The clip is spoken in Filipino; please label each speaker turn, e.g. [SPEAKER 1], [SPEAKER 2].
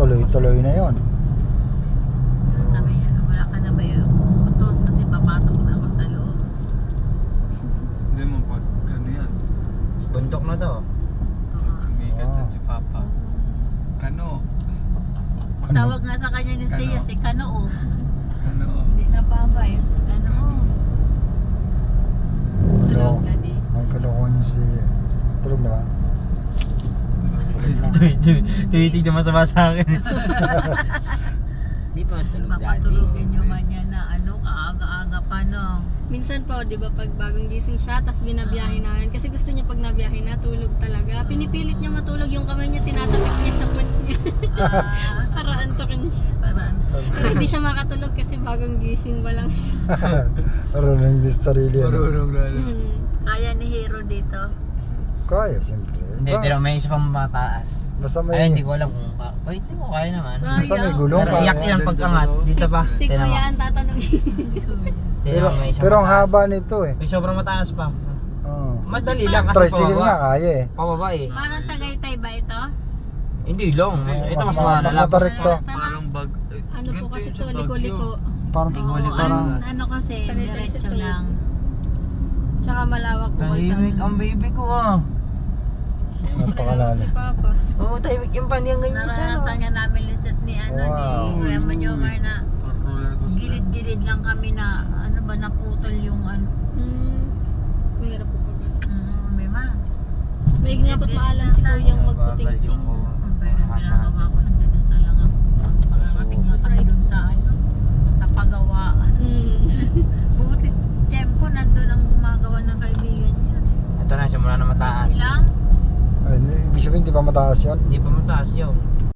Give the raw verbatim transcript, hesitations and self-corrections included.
[SPEAKER 1] tuloy-tuloy na yon.
[SPEAKER 2] Sabi niya, wala ka na ba yung utos kasi papasok na ako sa loob.
[SPEAKER 3] Hindi mo pag ano yan.
[SPEAKER 4] Buntok na to.
[SPEAKER 2] Oo.
[SPEAKER 3] Sumikat
[SPEAKER 1] Ah.
[SPEAKER 3] yan si Papa. Kano.
[SPEAKER 2] Tawag nga sa kanya ni Sia,
[SPEAKER 3] Kano?
[SPEAKER 2] si Kanoo.
[SPEAKER 3] Kano.
[SPEAKER 2] Hindi na Papa, yun si Kanoo.
[SPEAKER 1] Tulog. May kalokohan si... Tulog na ba?
[SPEAKER 4] Tumitig naman sa sa akin. Di pa tulog
[SPEAKER 2] Papatulogin nyo man yan na ano, kaaga-aga pa no.
[SPEAKER 5] Minsan po, di ba, pag bagong gising siya, tapos binabiyahe namin. Kasi gusto niya pag nabiyahe na, tulog talaga. Pinipilit niya matulog yung kamay niya, tinatapik niya sa puwet niya.
[SPEAKER 2] Ah,
[SPEAKER 5] Para antokin siya.
[SPEAKER 2] parang,
[SPEAKER 5] Pero hindi siya makatulog kasi bagong gising pa lang siya.
[SPEAKER 1] Marunong din sa sarili. Ano?
[SPEAKER 3] Marunong lalo.
[SPEAKER 5] Hmm.
[SPEAKER 2] kaya ni Hero dito.
[SPEAKER 1] Kaya, siyempre.
[SPEAKER 4] Hindi,
[SPEAKER 1] Ba-
[SPEAKER 4] pero may isa pang mataas.
[SPEAKER 1] Basta may...
[SPEAKER 4] Ay, hindi ko alam kung ka... Ay, hindi ko kaya naman.
[SPEAKER 1] Basta may gulong.
[SPEAKER 4] Pero
[SPEAKER 1] kaya.
[SPEAKER 4] iyak yan pag angat. Dito pa.
[SPEAKER 5] Si
[SPEAKER 4] Tingnan mo.
[SPEAKER 5] Kuya ang tatanungin.
[SPEAKER 4] Tingnan
[SPEAKER 1] Pero,
[SPEAKER 4] mo, may isang
[SPEAKER 1] pero ang
[SPEAKER 4] mataas.
[SPEAKER 1] haba nito eh.
[SPEAKER 4] May sobrang mataas pa.
[SPEAKER 1] Oo.
[SPEAKER 4] Madali lang kasi
[SPEAKER 1] Tricycle nga,
[SPEAKER 4] pababa.
[SPEAKER 1] kaya eh.
[SPEAKER 4] Pababa eh.
[SPEAKER 2] Parang Tagaytay ba ito?
[SPEAKER 4] Hindi long. Mas,
[SPEAKER 3] Hindi.
[SPEAKER 4] ito mas
[SPEAKER 1] Mas-
[SPEAKER 4] malala.
[SPEAKER 1] mas matarik to.
[SPEAKER 3] Parang bag. eh,
[SPEAKER 5] Ano po
[SPEAKER 3] ganito
[SPEAKER 5] kasi
[SPEAKER 3] yun
[SPEAKER 5] to,
[SPEAKER 3] sa Baguio.
[SPEAKER 5] liko-liko.
[SPEAKER 1] Parang,
[SPEAKER 2] Oo,
[SPEAKER 4] Liko-liko
[SPEAKER 2] ano,
[SPEAKER 4] lang.
[SPEAKER 2] ano kasi,
[SPEAKER 5] Tagaytay
[SPEAKER 2] diretso
[SPEAKER 5] sa
[SPEAKER 2] lang.
[SPEAKER 5] Tsaka malawak po
[SPEAKER 4] Tahimik ang baby ko ah.
[SPEAKER 1] napakalalim.
[SPEAKER 5] Si Papa.
[SPEAKER 4] Oo, tahimik yung paniyang ganyan siya.
[SPEAKER 2] Naranasan nga namin lisat ni ano
[SPEAKER 1] Wow.
[SPEAKER 2] ni Kuya Manyomar na
[SPEAKER 3] Parang roller coaster.
[SPEAKER 2] gilid-gilid lang kami na ano ba naputol yung ano.
[SPEAKER 5] Hmm. Mahirap po pag
[SPEAKER 2] Mm, may ma.
[SPEAKER 5] may nga po't maalam si Kuyang magputing-ting.
[SPEAKER 2] Pero ang ginagawa ko, nagdadasal lang ako. Makarating lang kami dun sa ano, sa pagawaan.
[SPEAKER 5] Hmm.
[SPEAKER 2] Buti, tiyempo, nandun ang gumagawa ng kaibigan niya.
[SPEAKER 4] Ito na, simula na mataas.
[SPEAKER 2] Silang,
[SPEAKER 1] Ay, hindi- ibig sabihin, hindi pa mataas yun.
[SPEAKER 4] Hindi pa mataas yun.